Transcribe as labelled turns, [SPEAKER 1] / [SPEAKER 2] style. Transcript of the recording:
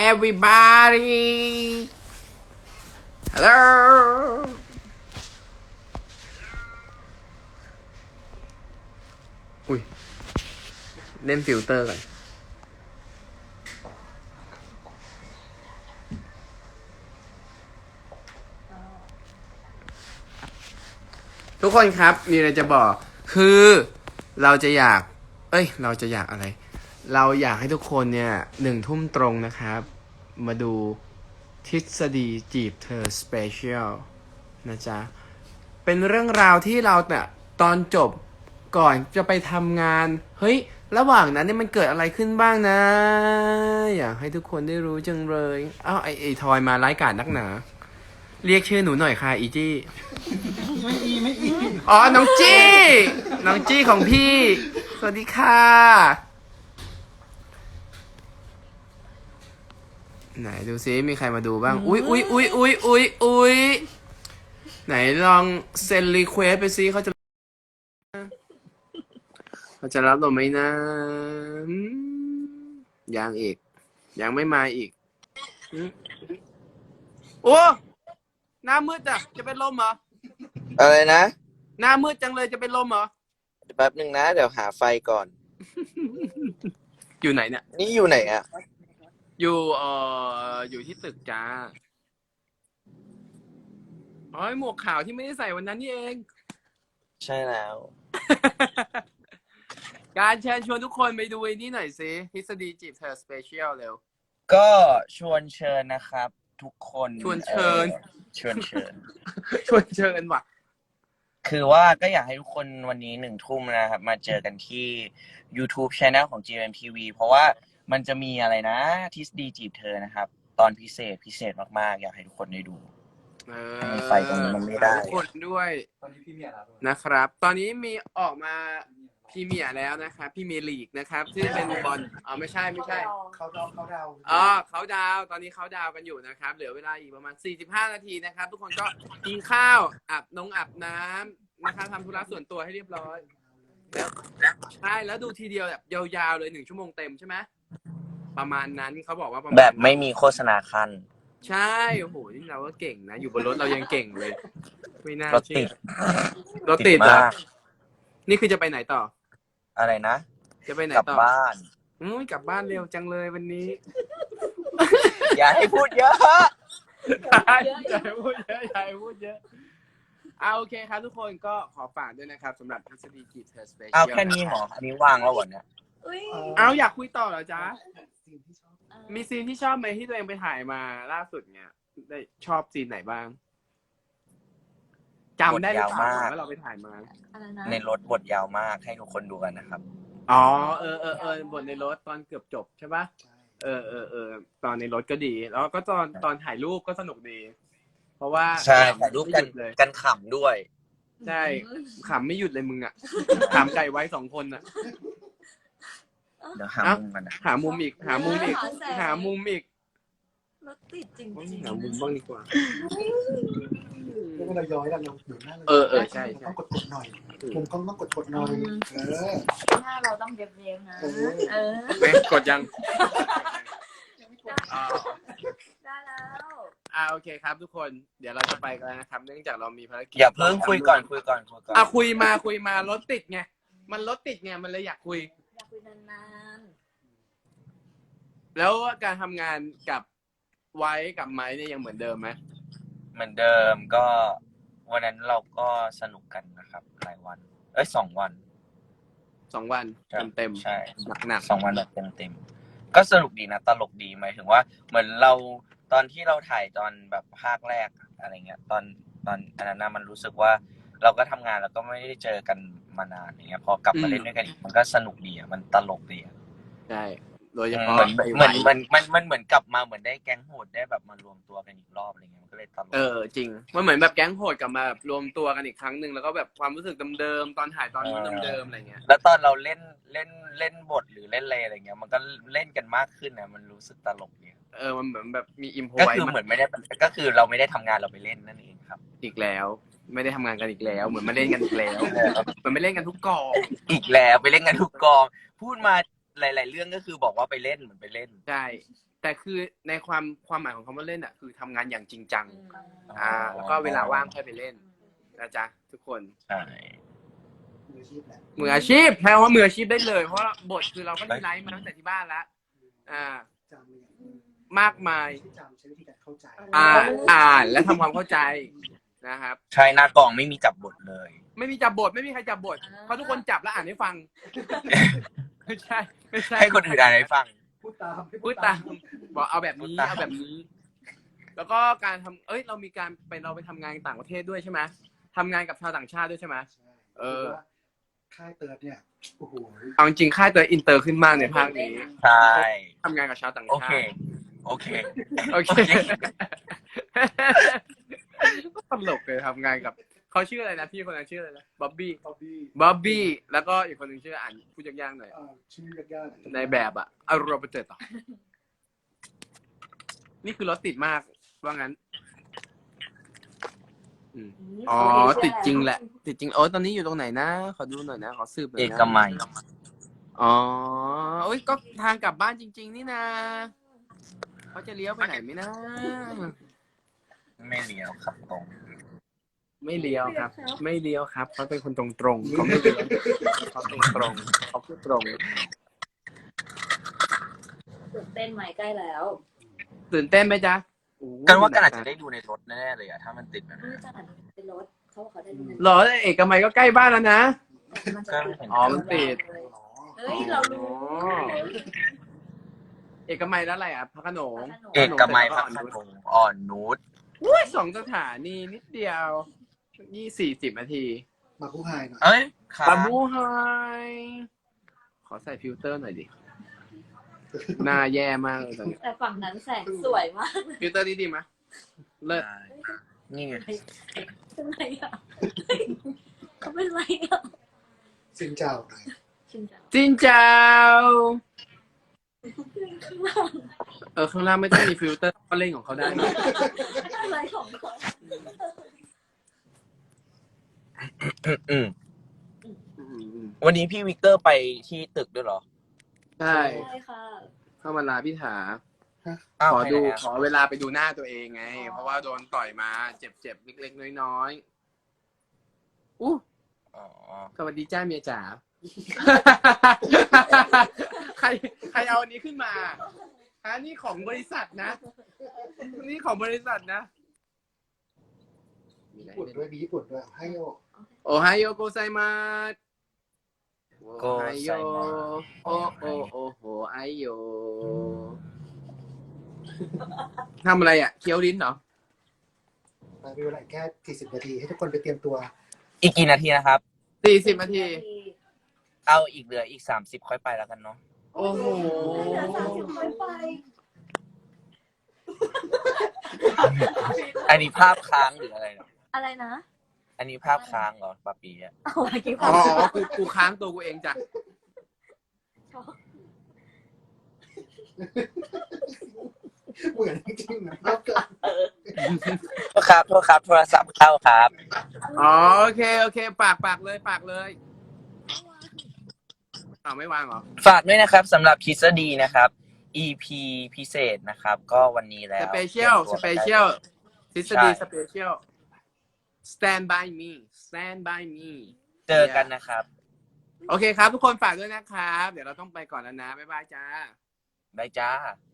[SPEAKER 1] everybody hello อุ้ยเล่นฟิลเตอร์ก่อนทุกคนครับมีอะไรจะบอกคือเราจะอยากเราจะอยากอะไรเราอยากให้ทุกคนเนี่ย1 ทุ่มตรงนะครับมาดูทฤษฎีจีบเธอสเปเชียลนะจ๊ะเป็นเรื่องราวที่เราเนี่ยตอนจบก่อนจะไปทำงานเฮ้ยระหว่างนั้นเนี่ยมันเกิดอะไรขึ้นบ้างนะอยากให้ทุกคนได้รู้จังเลยอ้าวไอทอยมาไร้กาจนักหนาเรียกชื่อหนูหน่อยค่ะอีจี้ไม่อีอ๋อน้องจี้ของพี่สวัสดีค่ะไหนดูซิมีใครมาดูบ้างอุ๊ยไหนลองเซ็นรีเควสไปซิเขาจะรับเราไหมนะยังอีกยังไม่มาอีกโอ้หน้ามืดอ่ะจะเป็นลมเหรอ
[SPEAKER 2] อะไรนะ
[SPEAKER 1] หน้ามืดจังเลยจะเป็นลมเหรอ
[SPEAKER 2] แป๊บหนึ่งนะเดี๋ยวหาไฟก่อน
[SPEAKER 1] อยู่ไหนเนี่ย
[SPEAKER 2] นี่อยู่ไหนอ่ะ
[SPEAKER 1] อยู่ที่ตึกจ้าอ๋อหมวกขาวที่ไม่ได้ใส่วันนั้นนี่เอง
[SPEAKER 2] ใช่แล้ว
[SPEAKER 1] การเชิญชวนทุกคนไปดูไอ้นี่หน่อยสิทฤษฎีจีบเธอสเปเชียลเร็ว
[SPEAKER 2] ก็ชวนเชิญนะครับทุกคน
[SPEAKER 1] ชวนเชิญ
[SPEAKER 2] ชวนเชิญ
[SPEAKER 1] ชวนเชิญว่ะ
[SPEAKER 2] คือว่าก็อยากให้ทุกคนวันนี้1 ทุ่มนะครับมาเจอกันที่ YouTube Channel ของ GMMTV เพราะว่ามันจะมีอะไรนะทฤษฎีจีบเธอนะครับตอนพิเศษมากๆอยากให้ทุกคนได้ดูไฟตรงนี้มันไม่ได้
[SPEAKER 1] ทุกคนด้วยตอนนี้พี่เมียแล้วนะครับตอนนี้มีออกมาพี่เมียแล้วนะครับพี่เมียลีกนะครับที่เป็นบอลไม่ใช่เขาดาวเขาดาวตอนนี้เขาดาวกันอยู่นะครับเหลือเวลาอีกประมาณ45 นาทีนะครับทุกคนก็กินข้าวอาบน้ำนะครับทำธุระส่วนตัวให้เรียบร้อยแล้วใช่แล้วดูทีเดียวแบบยาวๆเลย1 ชั่วโมงเต็มใช่ไหมประมาณนั้นเขาบอกว่า
[SPEAKER 2] แบบไม่มีโฆษณาคัน
[SPEAKER 1] ใช่โอ้โหนี่เราก็เก่งนะอยู่บนรถเรายังเก่งเลยไม่น่าร
[SPEAKER 2] ถติด
[SPEAKER 1] มากนี่คือจะไปไหนต่อ
[SPEAKER 2] อะไรนะ
[SPEAKER 1] จะไปไหน
[SPEAKER 2] ต่อก
[SPEAKER 1] ลับ
[SPEAKER 2] บ้าน
[SPEAKER 1] กลับบ้านเร็วจังเลยวันนี้
[SPEAKER 2] อย่าให้พูดเยอะ
[SPEAKER 1] อย่าให้พูดเยอะโอเคครับทุกคนก็ขอฝากด้วยนะครับสำหรับทฤษฎีจีบเธอสเปเชียล
[SPEAKER 2] เอาแค่นี้หรออันนี้ว่างแล้ววันเนี้ย
[SPEAKER 1] อยากคุยต่อเหรอจ๊ะมีซีนที่ชอบไหมที่ตัวเองไปถ่ายมาล่าสุดเนี่ยได้ชอบซีนไหนบ้างจำได้หรือเปล่าว่าเราไปถ่ายมา
[SPEAKER 2] ในรถบทยาวมากให้ทุกคนดูกันนะครับ
[SPEAKER 1] บทในรถตอนเกือบจบใช่ปะตอนในรถก็ดีแล้วก็ตอนถ่ายรูปก็สนุกดีเพราะว่า
[SPEAKER 2] ใช่ถ่ายรูปกันขำด้วย
[SPEAKER 1] ใช่ขำไม่หยุดเลยมึงอ่ะขำไก่ไว้2 คนอ่ะ
[SPEAKER 2] เดี๋ยวหามุมกันนะ
[SPEAKER 1] หามุมอีก
[SPEAKER 3] รถติดจริง
[SPEAKER 1] หามุมบ้างดีกว่า
[SPEAKER 4] เราย้อยเราอยู่หน้า
[SPEAKER 1] ใช่
[SPEAKER 4] ต้องกดหน่อยผมต้องกดหน่อย
[SPEAKER 3] หน้าเราต้องเย็บๆนะ
[SPEAKER 1] กดยัง
[SPEAKER 3] ได้แล้ว
[SPEAKER 1] โอเคครับทุกคนเดี๋ยวเราจะไปกันนะครับเนื่องจากเรามีภารกิจ
[SPEAKER 2] อย่าเพิ่งคุยก่อนคุ
[SPEAKER 1] ยมารถติดไงมันรถติดไงมันเลยอยากคุย
[SPEAKER 3] นาน
[SPEAKER 1] ๆแล้วการทำงานกับไว้กับไม้เนี่ยยังเหมือนเดิมไหม
[SPEAKER 2] เหมือนเดิมก็วันนั้นเราก็สนุกกันนะครับหลายวัน2 วัน
[SPEAKER 1] 2 วันเต็ม
[SPEAKER 2] ใช่
[SPEAKER 1] หนัก
[SPEAKER 2] 2 วันแบบเต็มก็สนุกดีนะตลกดีหมายถึงว่าเหมือนเราตอนที่เราถ่ายตอนแบบภาคแรกอะไรเงี้ยตอนอันนั้นมันรู้สึกว่าเราก็ทำงานแล้วก็ไม่ได้เจอกันมานานอย่างเงี้ยพอกลับมาเล่นด้วยกันอีกมันก็สนุกดีมันตลกดี
[SPEAKER 1] ใช่โดยเฉพาะ
[SPEAKER 2] มันเหมือนกลับมาเหมือนได้แก๊งโหดได้แบบมารวมตัวกันอีกรอบอะไรเงี้ยมันก็เลยตลก
[SPEAKER 1] จริงมันเหมือนแบบแก๊งโหดกลับมาแบบรวมตัวกันอีกครั้งหนึ่งแล้วก็แบบความรู้สึกเดิมๆตอนถ่ายตอนนู้นเดิมๆอะไรเงี้ย
[SPEAKER 2] แล้วตอนเราเล่นบทหรือเล่นอะไรเงี้ยมันก็เล่นกันมากขึ้นนะมันรู้สึกตลกเนี่ย
[SPEAKER 1] มันเหมือนแบบมีอิมโพไ
[SPEAKER 2] ว้ก็คือเหมือนไม่ได้ก็คือเราไม่ได้ทำงานเราไปเล่นนั่นเองครับ
[SPEAKER 1] อีกแล้วไม่ได้ทำงานกันอีกแล้วเหมือนมาเล่นกันอีกแล้วมันไม่เล่นกันทุกกอง
[SPEAKER 2] อีกแล้วไปเล่นกันทุกกองพูดมาหลาย ๆ เรื่องก็คือบอกว่าไปเล่นเหมือนไปเล่น
[SPEAKER 1] ใช่ แต่คือในความหมายของคำว่าเล่นอ่ะคือทำงานอย่างจริงจัง แล้วก็เวลาว่างค่อยไปเล่นนะจ๊ะทุกคน
[SPEAKER 2] ใช่
[SPEAKER 4] มืออาชีพแหละ
[SPEAKER 1] มืออาชีพแปลว่ามืออาชีพได้เลย เพราะว่าบทคือเราก็ได้ไลฟ์มาตั้งแต่ที่บ้านแล้ว
[SPEAKER 4] จำเลย
[SPEAKER 1] มากมาย
[SPEAKER 4] ใช้จำใช้วิธีการเข้าใจ
[SPEAKER 1] อ่านและทำความเข้าใจนะครับ
[SPEAKER 2] ใช่หน้ากองไม่มีจับบทเลย
[SPEAKER 1] ไม่มีจับบทไม่มีใครจับบทเพราะทุกคนจับแล้วอ่านให้ฟัง ไม่ใช่ไม่ใช่
[SPEAKER 2] ให้คนอื่นอ่านให้ฟัง
[SPEAKER 4] พูดตาม
[SPEAKER 1] พูดตามบอกเอาแบบนี้เอาแบบนี้ แล้วก็การทำเรามีการเราไปทำงานต่างประเทศด้วยใช่ไหมทำงานกับชาวต่างชาติด้วยใช่ไหม
[SPEAKER 4] ค่ายเติร์ดเนี่ยโอ้โห
[SPEAKER 1] เอาจริงค่ายเตยอินเตอร์ขึ้นมากในภาคนี้
[SPEAKER 2] ใช่
[SPEAKER 1] ทำงานกับชาวต่าง
[SPEAKER 2] โอ
[SPEAKER 1] ชา
[SPEAKER 2] เค
[SPEAKER 1] ติ
[SPEAKER 2] โอเค
[SPEAKER 1] โอเคตลกเลยทำงานกับเขาชื่ออะไรนะพี่คนนั้นชื่ออะไรนะบ๊อบบี้
[SPEAKER 4] ตอบบี้
[SPEAKER 1] บ๊อบบี้แล้วก็อีกคนหนึ่งชื่ออ่านพูดยากๆหน่อย
[SPEAKER 4] ชื่อยากๆ
[SPEAKER 1] ในแบบอะอารมณ์เจอต่อนี่คือรถติดมากว่างั้นอ๋อติดจริงแหละ ติดจริงตอนนี้อยู่ตรงไหนนะขอดูหน่อยนะขอสืบหน่อย
[SPEAKER 2] เอ
[SPEAKER 1] นะ
[SPEAKER 2] กมัย
[SPEAKER 1] อ๋อก็ทางกลับบ้านจริง ๆ นี่นะเขาจะเลี้ยวไปไหนไหมนะ
[SPEAKER 2] ไม่เลี้ยวครับตรง
[SPEAKER 1] ไม่เลี้ยวครับ ไม่เลี้ยวครับเขาเป็นคนตรงๆเขาไม่เลี้ยวเขาตรงๆเขาพูดตรง
[SPEAKER 3] ตื่นเต้นไหมใกล้แล้ว
[SPEAKER 1] ตื่นเต้นไหมจ๊ะ
[SPEAKER 2] กันว่ากันอาจจะได้ดูในรถแน่ๆเลยอะถ้ามันติดแบบ
[SPEAKER 3] ไม่
[SPEAKER 2] นั้น
[SPEAKER 3] จัดเป็นรถเขาบอกเขาได้ดูใน
[SPEAKER 1] หรอเอกมัยก็ใกล้บ้านแล้วนะ
[SPEAKER 3] มันจะติด
[SPEAKER 1] อ๋อมันติด
[SPEAKER 3] เฮ้ยเรารู้
[SPEAKER 1] เอกมัยแล้วอะไรอ่ะพระโขนง
[SPEAKER 2] เอกมัยพระโขนงอ่อนนุช
[SPEAKER 1] 2 สถานีนิดเดียว40 นาที
[SPEAKER 4] มาผู้ไฮหน่อย
[SPEAKER 2] เอ้ยครับ
[SPEAKER 1] บาบูไฮขอใส่ฟิลเตอร์หน่อยดิ หน้าแย่มากเลยตอนนี้
[SPEAKER 3] แต่ฝั่งนั้นแสงสวยมาก
[SPEAKER 1] ฟิลเตอร์นี้ดีไหมเลิศ
[SPEAKER 2] นี่ไง
[SPEAKER 3] เป็นไรอ่ะเขาเป็นไรอ่ะ
[SPEAKER 4] สินเจ้าหน่อย
[SPEAKER 3] ชินจัง
[SPEAKER 1] จินเจ้า
[SPEAKER 3] ข้างล่าง
[SPEAKER 1] ข้างล่างไม่ต้องมีฟิลเตอร์ก็เล่นของเขาได้นะ
[SPEAKER 3] อะไรของเขา
[SPEAKER 2] อืมวันนี้พี่วิกเตอร์ไปที่ตึกด้วยเหรอ
[SPEAKER 1] ใช่
[SPEAKER 3] ใช่ค่ะ
[SPEAKER 1] เข้ามาลาพี่ถา
[SPEAKER 2] อ้าว
[SPEAKER 1] ขอดู
[SPEAKER 2] ไปไหนอะ
[SPEAKER 1] ขอเวลาไปดูหน้าตัวเองไง เพราะว่าโดนต่อยมาเจ็บๆเล็กๆน้อยๆอู้
[SPEAKER 2] อ๋อ
[SPEAKER 1] สวัสดีจ้าเมียจ๋า ใครเอาอันนี้ขึ้นมานี่ของบริษัทนะนี่ของบริษัทนะ
[SPEAKER 4] ญี่ปุ่นด้วยมีญี่ปุ่นด้วยให้โย
[SPEAKER 1] โอไฮโอโกไซมาส
[SPEAKER 2] โกไซมา
[SPEAKER 1] โอโหไอโยทำอะไรอ่ะเคี้ยวลิ้นเหรอ
[SPEAKER 4] มีเวลาแค่40 นาทีให้ทุกคนไปเตรียมตัว
[SPEAKER 2] อีกกี่นาทีนะครับ
[SPEAKER 1] 40 นาที
[SPEAKER 2] เอาอีกเหลืออีก30ค่อยไปแล้วกันเนาะ
[SPEAKER 1] โอ้โห
[SPEAKER 3] ไม่ไป
[SPEAKER 2] อันนี้ภาพค้างหรืออะไรเนาะ
[SPEAKER 3] อะไรนะ
[SPEAKER 2] อันนี้ภาพค้างเหรอปาปีอะ
[SPEAKER 3] เอาอะไรกี่ค
[SPEAKER 1] อ๋
[SPEAKER 3] น
[SPEAKER 1] อกูค้างตัวกูเองจ้ะ
[SPEAKER 4] เหมือนจริงๆนะภาพเกิด
[SPEAKER 2] โทษครับโทรศัพท์เข้าครับ
[SPEAKER 1] อ๋อโอเคปากเลยไม่วางเหรอ
[SPEAKER 2] ฝากด้วยนะครับสำหรับทฤษฎีนะครับ EP พิเศษนะครับ ก็วันนี้แล้ว
[SPEAKER 1] สเปเชียลทฤษฎีสเปเชียล stand by me
[SPEAKER 2] เจอกันนะครับ
[SPEAKER 1] โอเคครับทุกคนฝากด้วยนะครับ เดี๋ยวเราต้องไปก่อนแล้วนะ บ๊ายบายจ้า
[SPEAKER 2] บายจ้า